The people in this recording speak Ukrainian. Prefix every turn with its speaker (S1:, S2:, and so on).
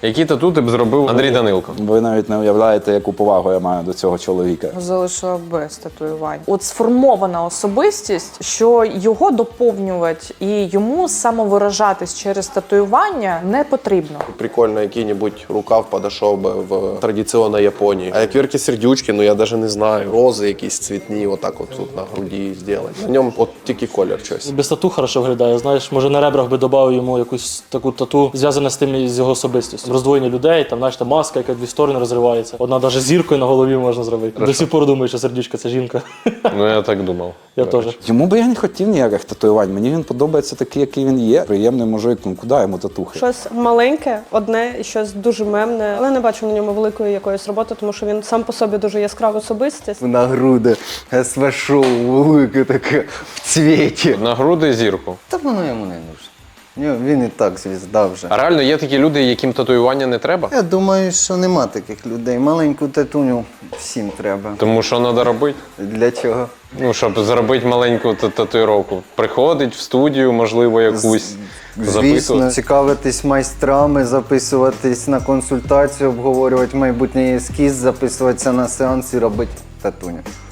S1: Які тату ти б зробив Андрій Данилко?
S2: Ви навіть не уявляєте, яку повагу я маю до цього чоловіка.
S3: Залишила без татуювань. От сформована особистість, що його доповнювати і йому самовиражатись через татуювання не потрібно.
S4: Прикольно, який-нибудь рукав подошов би в традиційній Японії. А як Вірки Сердючки, ну я навіть не знаю. Рози якісь цвітні, отак от тут на груді зробити. На ньому от тільки колір щось.
S5: Без тату хорошо виглядає, знаєш, може на ребрах би додав йому якусь таку тату, зв'язане з тим, з його особистістю. Роздвоєння людей, там, знаєш, та маска, яка в дві сторони розривається. Одна навіть зіркою на голові можна зробити. До сих пор думаю, що Сердючка – це жінка.
S1: Ну я так думав.
S5: Я теж.
S2: Йому би я не хотів ніяких татуювань. Мені він подобається такий, який він є. Приємний мужик, ну куди йому татухи?
S6: Щось маленьке, одне, і щось дуже мемне, але не бачу на ньому великої якоїсь роботи, тому що він сам по собі дуже яскрава особистість.
S7: На груди СВ-шоу велике таке в цвіті.
S1: На груди зірку.
S7: Та воно йому не нужно. Він і так звізда вже.
S1: А реально є такі люди, яким татуювання не треба?
S7: Я думаю, що нема таких людей. Маленьку татуню всім треба.
S1: Тому що треба робити?
S7: Для чого?
S1: Ну, щоб зробити маленьку татуїровку. Приходить в студію, можливо, якусь
S7: Звісно,
S1: записувати.
S7: цікавитись майстрами, записуватись на консультацію, обговорювати майбутній ескіз, записуватися на сеанс і робити татуню.